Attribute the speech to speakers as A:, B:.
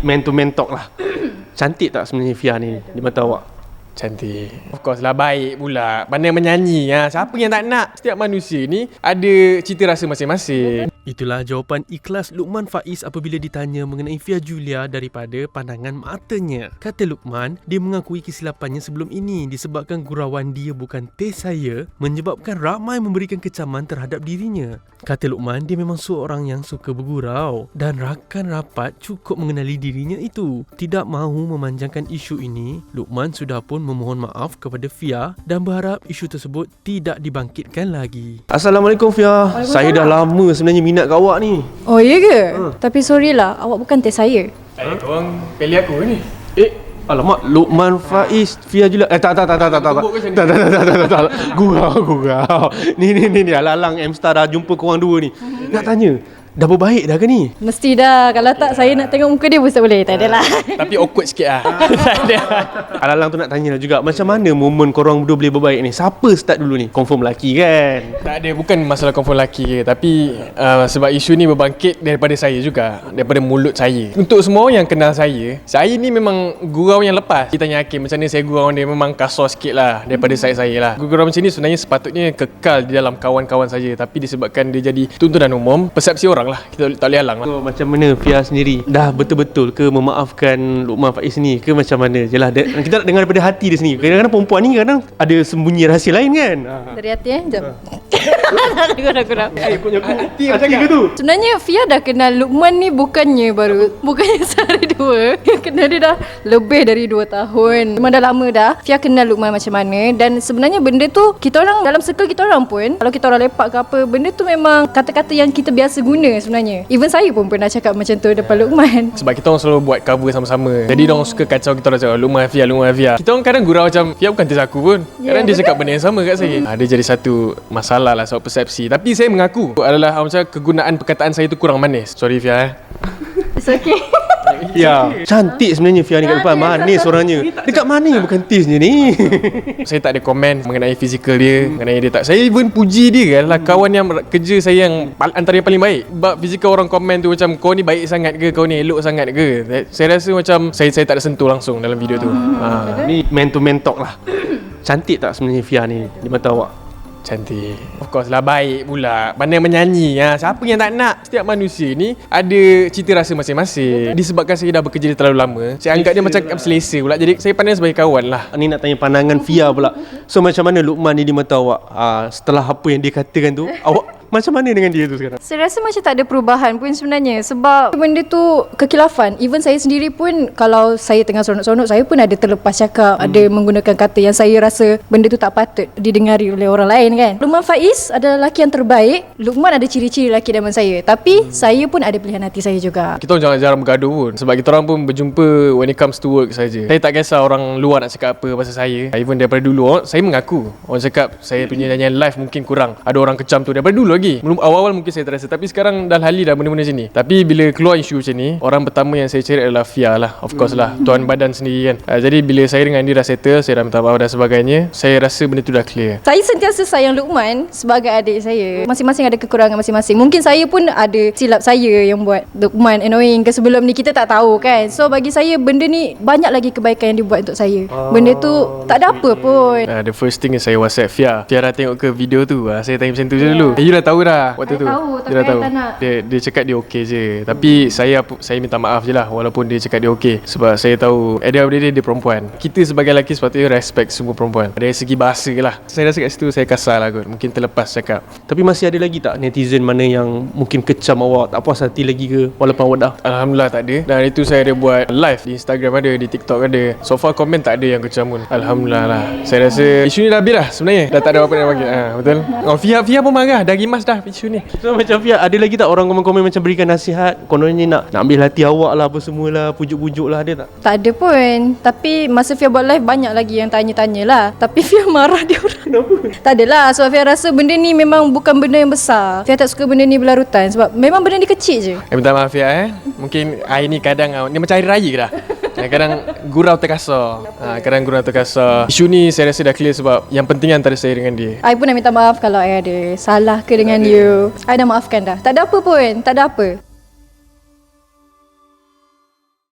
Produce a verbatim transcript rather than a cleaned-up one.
A: man to man talk lah. Cantik tak sebenarnya Fia ni di mata awak?
B: Cantik. Of course lah, baik pula. Pandai menyanyi. Ha. Siapa yang tak nak? Setiap manusia ni ada cita rasa masing-masing.
A: Itulah jawapan ikhlas Luqman Faiz apabila ditanya mengenai Fia Julia daripada pandangan matanya. Kata Luqman, dia mengakui kesilapannya sebelum ini disebabkan gurauan dia bukan taste saya menyebabkan ramai memberikan kecaman terhadap dirinya. Kata Luqman, dia memang seorang yang suka bergurau dan rakan rapat cukup mengenali dirinya itu. Tidak mahu memanjangkan isu ini, Luqman sudah pun memohon maaf kepada Fia dan berharap isu tersebut tidak dibangkitkan lagi. Assalamualaikum Fia. Saya dah lama sebenarnya minat kat awak ni.
C: Oh iya ke? Ha. Tapi sorry lah, awak bukan test saya.
B: Eh, korang pilih aku ni.
A: Eh, alamak, Luqman Faiz, Fia Julia. Eh, tak, tak, tak, tak, tak, tak, tak, tak, tak, tak, tak, tak, gurau, gurau. Ni, ni, ni, ni, alang-alang M-Star dah jumpa korang dua ni. Nak tanya, dah berbaik dah ke ni?
C: Mesti dah. Kalau tak, saya nak tengok muka dia pun tak boleh. Tak adalah.
B: Tapi awkward sikit lah. Tak ada.
A: Alang-alang tu nak tanya juga, macam mana momen korang berdua boleh berbaik ni? Siapa start dulu ni? Confirm lelaki kan?
B: Tak ada, bukan masalah confirm lelaki ke. Tapi uh, sebab isu ni berbangkit daripada saya juga. Daripada mulut saya. Untuk semua yang kenal saya, saya ni memang gurau yang lepas. Kita tanya Hakim, macam mana saya gurau dia, memang kasar sikit lah daripada saya-saya lah. Gurau macam ni sebenarnya sepatutnya kekal di dalam kawan-kawan saja. Tapi disebabkan dia jadi tuntunan umum, persepsi orang lah, kita tak boleh halang lah.
A: So, macam mana Fia sendiri dah betul-betul ke memaafkan Luqman Faiz ni ke macam mana? Jelah, kita nak dengar daripada hati dia sendiri. Kadang-kadang perempuan ni kadang ada sembunyi rahsia lain kan?
C: Dari hati eh, jap. Tak ada kurang.
A: Eh, punya aku hati macam ke tu?
C: Sebenarnya Fia dah kenal Luqman ni bukannya baru, bukannya sehari dua. Kenal dia dah lebih dari dua tahun. Memang dah lama dah Fia kenal Luqman macam mana. Dan sebenarnya benda tu, kita orang dalam circle kita orang pun, kalau kita orang lepak ke apa, benda tu memang kata-kata yang kita biasa guna sebenarnya. Even saya pun pernah cakap macam tu depan Luqman.
B: Sebab kita orang selalu buat cover sama-sama. Jadi dia orang suka kacau kita orang cakap Luqman Fia, Luqman Fia. Kita orang kadang gurau macam Fia bukan tes aku pun. Kadang yeah, dia cakap benda yang sama kat saya. Ha, dia jadi satu masalah lah soal persepsi. Tapi saya mengaku adalah macam kegunaan perkataan saya tu kurang manis. Sorry Fia eh.
C: It's okay.
A: Ya, cantik sebenarnya Fia ni kat depan. Manis orangnya. Dekat mana yang bukan taste ni?
B: Saya tak ada komen mengenai fizikal dia, mengenai dia tak. Saya even puji dia adalah kawan yang kerja saya yang antara yang paling baik. Sebab fizikal orang komen tu macam kau ni baik sangat ke, kau ni elok sangat ke. Saya rasa macam saya saya tak ada sentuh langsung dalam video tu. Ha.
A: Ni man to man talk lah. Cantik tak sebenarnya Fia ni di mata awak?
B: Cantik. Of course lah, baik pula. Pandai menyanyi. Ha. Siapa yang tak nak? Setiap manusia ni ada cita rasa masing-masing. Disebabkan saya dah bekerja terlalu lama, saya anggap dia macam selesa pula. Jadi saya pandang sebagai kawan lah.
A: Ni nak tanya pandangan Fia pula. So macam mana Luqman ni di mata awak? Ha, setelah apa yang dia katakan tu, awak macam mana dengan dia tu sekarang?
C: Saya rasa macam tak ada perubahan pun sebenarnya. Sebab benda tu kekilafan. Even saya sendiri pun, kalau saya tengah seronok-seronok, saya pun ada terlepas cakap, hmm. ada menggunakan kata yang saya rasa benda tu tak patut didengari oleh orang lain kan. Luqman Faiz adalah lelaki yang terbaik. Luqman ada ciri-ciri lelaki idaman saya. Tapi hmm. saya pun ada pilihan hati saya juga.
B: Kita orang jangan jarang bergaduh pun. Sebab kita orang pun berjumpa when it comes to work saja. Saya tak kisah orang luar nak cakap apa pasal saya. Even daripada dulu, saya mengaku. Orang cakap saya punya nyanyian live mungkin kurang. Ada orang kecam tu daripada dulu lagi. Awal-awal mungkin saya terasa, tapi sekarang dah lali dah benda-benda macam ni. Tapi bila keluar isu macam ni, orang pertama yang saya cari adalah Fia lah. Of course lah, tuan badan sendiri kan. uh, Jadi bila saya dengan dia dah settle, saya dah minta maaf dan sebagainya, saya rasa benda tu dah clear.
C: Saya sentiasa sayang Luqman sebagai adik saya. Masing-masing ada kekurangan masing-masing. Mungkin saya pun ada silap saya yang buat Luqman annoying ke sebelum ni, kita tak tahu kan. So bagi saya benda ni banyak lagi kebaikan yang dia buat untuk saya. Benda tu tak ada apa pun.
B: uh, The first thing is saya WhatsApp Fia, Fia dah tengok ke video tu? uh, Saya tanya macam tu je dulu. eh, You dah tahu dah waktu
C: saya
B: tu
C: tahu,
B: dia dah tahu. Dia, dia cakap dia okey je. Tapi saya saya minta maaf je lah walaupun dia cakap dia okey. Sebab saya tahu at the end of the day dia perempuan. Kita sebagai lelaki sepatutnya respect semua perempuan. Dari segi bahasa lah, saya rasa kat situ saya kasar lah kot. Mungkin terlepas cakap.
A: Tapi masih ada lagi tak netizen mana yang mungkin kecam awak, tak puas hati lagi ke walaupun awak dah?
B: Alhamdulillah tak ada. Dan itu saya ada buat live di Instagram ada, di TikTok ada. So far komen tak ada yang kecam pun. Alhamdulillah lah. Saya rasa isu ni dah habis lah sebenarnya. Dah tak ada apa-apa nak bagi. Ha, betul. Oh, Fia Fia pun marah. Dah gimas dah isu ni.
A: So macam Fia, ada lagi tak orang komen-komen macam berikan nasihat, kononnya nak nak ambil hati awak lah apa semualah, pujuk-pujuk lah, ada tak?
C: Tak ada pun. Tapi masa Fia buat live banyak lagi yang tanya-tanya lah. Tapi Fia marah dia orang.
A: Kenapa?
C: Tak adalah. Sebab Fia rasa benda ni memang bukan benda yang besar. Fia tak suka benda ni berlarutan. Sebab memang benda ni kecil je.
B: Eh, minta maaf Fia eh. Mungkin hari ni kadang ni macam hari raya ke dah. Kadang gurau terkasar. ha, Kadang gurau terkasar. Isu ni saya rasa dah clear sebab yang penting antara saya dengan dia.
C: I pun nak minta maaf kalau I ada salah ke dengan you. I dah maafkan dah. Tak ada apa pun. Tak ada apa.